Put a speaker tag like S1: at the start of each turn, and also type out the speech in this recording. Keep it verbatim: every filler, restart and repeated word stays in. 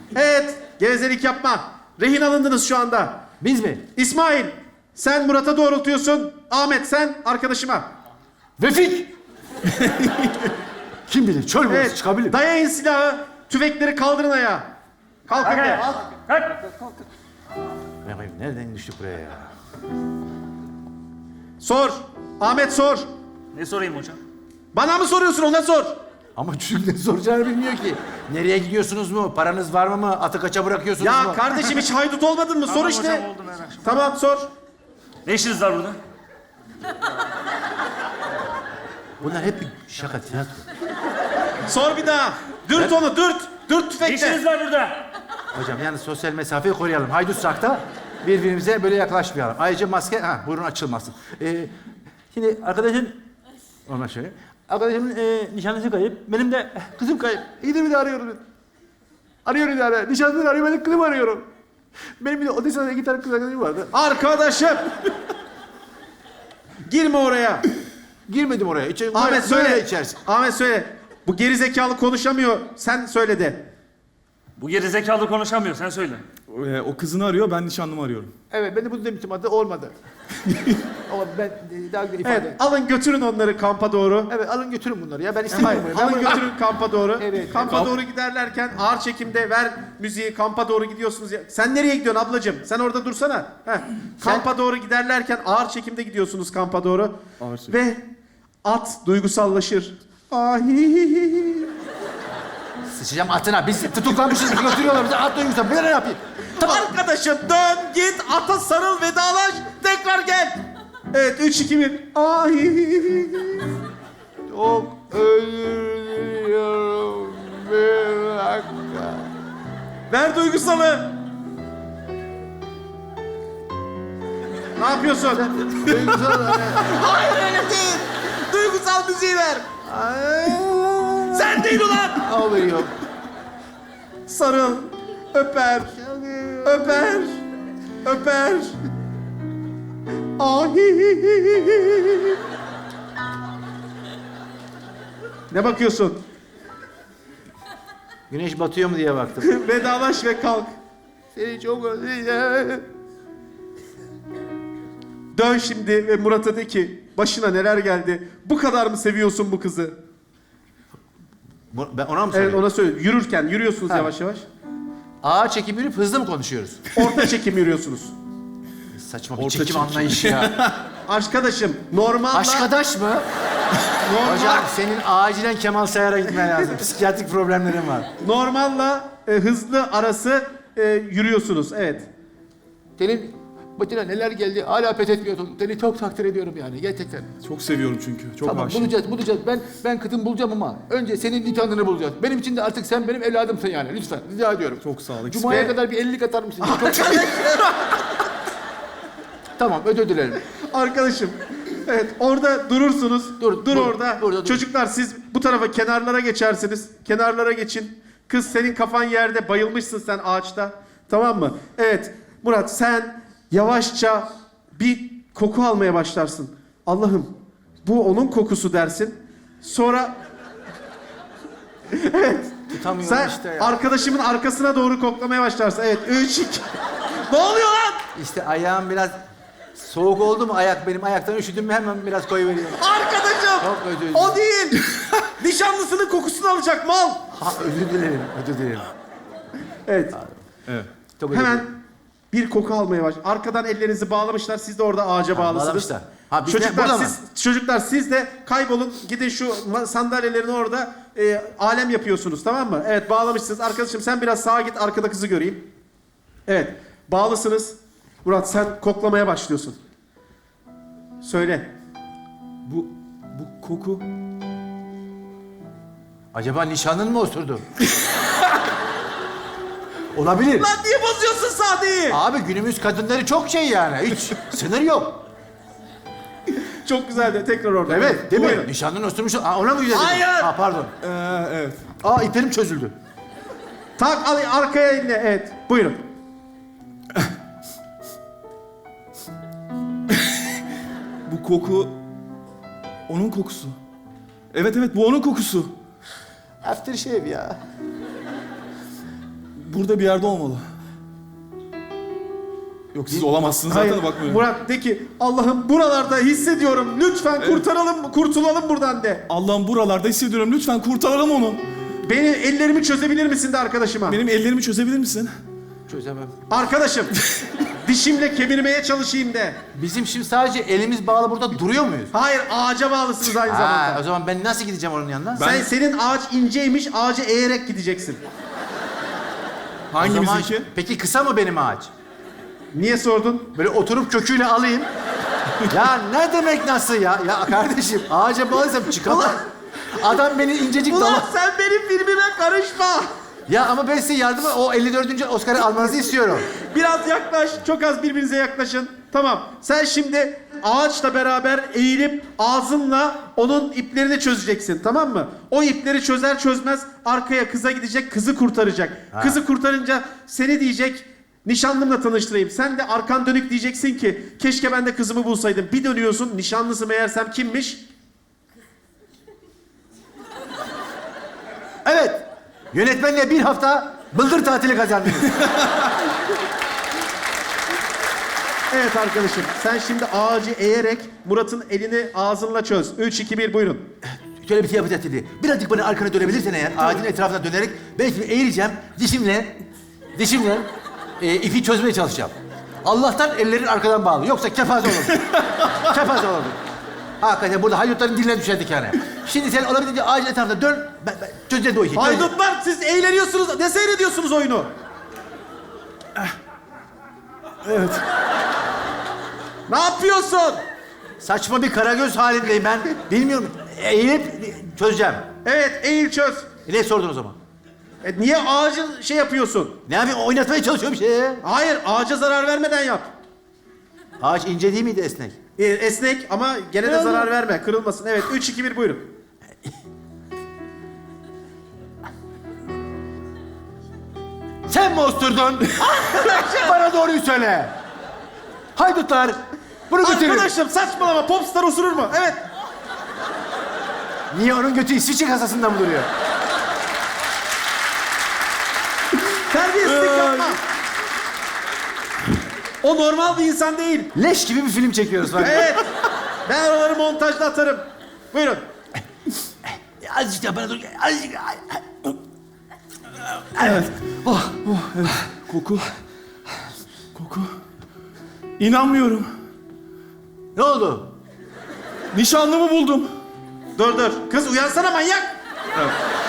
S1: Evet, gevezelik yapma. Rehin alındınız şu anda.
S2: Biz mi?
S1: İsmail, sen Murat'a doğrultuyorsun. Ahmet, sen arkadaşıma.
S2: Vefik! Kim bilir? Çöl burası
S1: Evet,
S2: çıkabilir.
S1: dayayın silahı. Tüfekleri kaldırın ayağa. Kalkın de.
S2: Ya, nereden düştük buraya ya?
S1: Sor. Ahmet sor.
S3: Ne sorayım hocam?
S1: Bana mı soruyorsun, ona sor.
S2: Ama çocuk ne soracağını bilmiyor ki. Nereye gidiyorsunuz mu? Paranız var mı mı? Atı kaça bırakıyorsunuz mu?
S1: Ya kardeşim hiç haydut olmadın mı?
S3: Tamam
S1: Sor işte.
S3: hocam, oldu her akşam.
S1: Tamam sor.
S3: Ne işiniz var burada?
S2: Bunlar hep bir şaka, tiyatro.
S1: Sor bir daha. Dürt onu, dürt. Dürt
S3: Ne
S1: tüfekle.
S3: işiniz var burada?
S2: Hocam yani sosyal mesafeyi koruyalım. Haydutsak da birbirimize böyle yaklaşmayalım. Ayrıca maske, ha burun açılmasın. Ee, şimdi arkadaşın, ondan şöyle. Arkadaşımın e, nişanlısı kayıp, benim de kızım kayıp. İyidir bir de arıyorum. Arıyorum bir de arıyorum. Nişanlısını arıyorum, ben de kızımı arıyorum. Benim bir de Odessa'da iki tane kız arkadaşım vardı.
S1: Arkadaşım. Girme oraya.
S2: Girmedim oraya. İçeri,
S1: Ahmet
S2: böyle
S1: söyle.
S2: içersin.
S1: Ahmet söyle. Bu geri zekalı konuşamıyor. Sen söyle de.
S3: Bu geri zekalı konuşamıyor, sen söyle.
S4: Ee, o kızını arıyor, ben nişanlımı arıyorum.
S2: Evet, ben de bunu demiştim, adı olmadı. Ama ben e, daha güzel ifade
S1: Evet, alın götürün onları kampa doğru.
S2: Evet, alın götürün bunları ya. Ben
S1: Hayır,
S2: istemiyorum. bunu. Ben
S1: alın
S2: bunu-
S1: götürün kampa doğru.
S2: Evet.
S1: Kampa
S4: Kamp-
S1: doğru giderlerken ağır çekimde ver müziği, kampa doğru gidiyorsunuz. Ya. Sen nereye gidiyorsun ablacığım? Sen orada dursana. Heh. Kampa doğru giderlerken ağır çekimde gidiyorsunuz kampa doğru.
S4: Ağır çekim.
S1: Ve at duygusallaşır. Ahihihi.
S2: Sıçacağım atına. Biz tutuklanmışız, götürüyorlar bizi. At duymuşlar. Ben ne yapayım?
S1: Arkadaşım dön git ata sarıl vedalaş tekrar gel. Evet üç iki bir. Ahihihi.
S2: Çok özür diliyorum. Bir dakika.
S1: Ver duygusalı. Ne yapıyorsun? Hayır öyle değil. Duygusal müziği ver. Sen değil ulan.
S2: Ağlıyor.
S1: Sarıl, öper, öper, öper. Ahihihi. Ne bakıyorsun?
S2: Güneş batıyor mu diye baktım.
S1: Vedalaş ve kalk.
S2: Seni çok özleyeceğim.
S1: Dön şimdi ve Murat'a de ki başına neler geldi. Bu kadar mı seviyorsun bu kızı?
S2: Bu- Ben ona mı
S1: Evet
S2: söyleyeyim?
S1: ona söyle. Yürürken yürüyorsunuz
S2: Ha.
S1: yavaş yavaş.
S2: Ağır çekim yürüyüp hızlı mı konuşuyoruz?
S1: Orta çekim yürüyorsunuz.
S2: Saçma bir
S4: Orta
S2: çekim,
S4: çekim.
S2: anlayışı ya.
S1: Arkadaşım normalla...
S2: Aşkadaş mı?
S1: normal,
S2: Hocam senin acilen Kemal Sayar'a gitmen lazım. Psikiyatrik problemlerin var.
S1: normalla e, hızlı arası e, yürüyorsunuz. Evet.
S2: Senin başına neler geldi hala pes etmiyorsun. Seni çok takdir ediyorum yani gerçekten.
S4: Çok seviyorum çünkü, çok
S2: Tamam
S4: aşığım.
S2: bulacağız bulacağız. Ben ben kızım bulacağım ama önce senin nişanlını bulacağız. Benim için de artık sen benim evladımsın yani lütfen rica ediyorum.
S4: Çok sağ ol.
S2: Cuma'ya
S1: Ve-
S2: kadar bir ellilik atar mısın? Çok... Tamam özür dilerim.
S1: Arkadaşım. Evet orada durursunuz.
S2: Dur,
S1: dur
S2: dur,
S1: orada.
S2: burada dur.
S1: Çocuklar siz bu tarafa kenarlara geçersiniz. Kenarlara geçin. Kız senin kafan yerde bayılmışsın sen ağaçta. Tamam mı? Evet. Murat sen yavaşça bir koku almaya başlarsın. Allah'ım bu onun kokusu dersin. Sonra
S2: Tutamıyorum
S1: sen
S2: işte ya.
S1: arkadaşımın arkasına doğru koklamaya başlarsın. Evet. Üç, iki. Ne oluyor lan?
S2: İşte ayağım biraz soğuk oldu mu ayak benim ayaktan üşüdüm mü hemen biraz koyuveriyorum.
S1: Arkadaşım.
S2: Çok özür dilerim.
S1: O değil. Nişanlısının kokusunu alacak mal.
S2: Ha özür dilerim özür dilerim.
S1: Evet.
S4: Evet.
S2: Çok özür
S1: Hemen
S2: dilerim.
S1: bir koku almaya baş. Arkadan ellerinizi bağlamışlar. Siz de orada ağaca
S2: Ha,
S1: bağlısınız.
S2: bağlamışlar. Ha, biz ne-
S1: çocuklar
S2: burada mı?
S1: siz çocuklar siz de kaybolun. Gidin şu ma- sandalyelerin orada e, alem yapıyorsunuz tamam mı? Evet bağlamışsınız. Arkadaşım sen biraz sağa git arkada kızı göreyim. Evet. Bağlısınız. Murat sen koklamaya başlıyorsun. Söyle.
S4: Bu, bu koku...
S2: Acaba nişanlın mı osurdu? Olabilir.
S1: Lan niye bozuyorsun Sadi'yi?
S2: Abi günümüz kadınları çok şey yani. Hiç sınır yok.
S1: Çok güzeldi. Tekrar orada.
S2: Evet değil
S1: Buyurun.
S2: mi? Nişanlın osurmuş. Aa, ona mı güzel?
S1: Hayır.
S2: Ha pardon.
S4: Ee, evet.
S2: Aa iplerim çözüldü.
S1: Tak al arkaya eline. Evet. Buyurun.
S4: Bu koku... Onun kokusu. Evet evet, bu onun kokusu.
S2: Aftershave ya.
S4: burada bir yerde olmalı. Yok siz olamazsınız zaten
S1: Hayır,
S4: de bakmıyorum.
S1: Murat de ki Allah'ım buralarda hissediyorum. Lütfen kurtaralım, kurtulalım buradan de.
S4: Allah'ım buralarda hissediyorum. Lütfen kurtaralım onu.
S1: Beni ellerimi çözebilir misin de arkadaşıma?
S4: Benim ellerimi çözebilir misin?
S2: Çözemem.
S1: Arkadaşım dişimle kemirmeye çalışayım de.
S2: Bizim şimdi sadece elimiz bağlı burada duruyor muyuz?
S1: Hayır ağaca bağlısınız aynı
S2: Ha,
S1: zamanda.
S2: o zaman ben nasıl gideceğim onun yanına?
S1: Sen senin ağaç inceymiş, ağaca eğerek gideceksin.
S2: O zaman-
S4: Hangimizinki?
S2: Peki kısa mı benim ağaç?
S1: Niye sordun?
S2: Böyle oturup köküyle alayım. Ya ne demek nasıl ya? Ya kardeşim ağaca bağlıysam çıkamam. Adam beni incecik
S1: Ulan
S2: dala...
S1: sen benim filmime karışma.
S2: Ya ama ben size yardıma o elli dördüncü Oscar'ı almanızı istiyorum.
S1: Biraz yaklaş, çok az birbirinize yaklaşın. Tamam, sen şimdi ağaçla beraber eğilip ağzınla onun iplerini çözeceksin, tamam mı? O ipleri çözer çözmez arkaya kıza gidecek, kızı kurtaracak. Kızı kurtarınca seni diyecek, nişanlımla tanıştırayım. Sen de arkan dönük diyeceksin ki, keşke ben de kızımı bulsaydım. Bir dönüyorsun, nişanlısı meğersem kimmiş?
S2: Evet. Yönetmenle bir hafta bıldır tatili kazandınız.
S1: Evet arkadaşım, sen şimdi ağacı eğerek Murat'ın elini ağzınla çöz. Üç, iki, bir, buyurun.
S2: Şöyle bir şey yapacağız dedi. Birazcık bana arkana dönebilirsen eğer ağacın etrafına dönerek ben şimdi eğileceğim. Dişimle, dişimle e, ipi çözmeye çalışacağım. Allah'tan ellerin arkadan bağlı. Yoksa kepaze olurdu. kepaze olurdu. Hakikaten burada haydutların diline düşerdik yani. Şimdi sen olabildiğince ağacın etrafına dön. Ben, ben çözeceğiz o işi. çözeceğiz.
S1: Haydutlar siz eğleniyorsunuz, ne seyrediyorsunuz oyunu?
S4: Evet.
S1: Ne yapıyorsun?
S2: Saçma bir karagöz halindeyim ben. Bilmiyorum. Eğilip çözeceğim.
S1: Evet, eğil çöz.
S2: E ne sordun o zaman?
S1: E, niye ağacı şey yapıyorsun?
S2: Ne yapayım? Oynatmaya çalışıyorum bir şey.
S1: Hayır, ağaca zarar vermeden yap.
S2: Ağaç ince değil miydi esnek?
S1: E, esnek ama gene de zarar verme, kırılmasın. Evet, üç, iki, bir, buyurun.
S2: Sen mi osturdun? Bana doğruyu söyle. Haydutlar, bunu götürün.
S1: Arkadaşım saçmalama, popstar osurur mu? Evet.
S2: Niye onun götü İsviçre kasasında mı duruyor?
S1: Terbiyesizlik yapma. O normal bir insan değil.
S2: Leş gibi bir film çekiyoruz falan.
S1: Evet. Ben oraları montajda atarım. Buyurun.
S2: Azıcık da bana dur. Azıcık.
S4: Evet. Oh, oh, evet. Koku. Koku. İnanmıyorum.
S2: Ne oldu?
S4: Nişanlımı buldum.
S1: Dur dur. Kız uyansana manyak.
S4: Evet.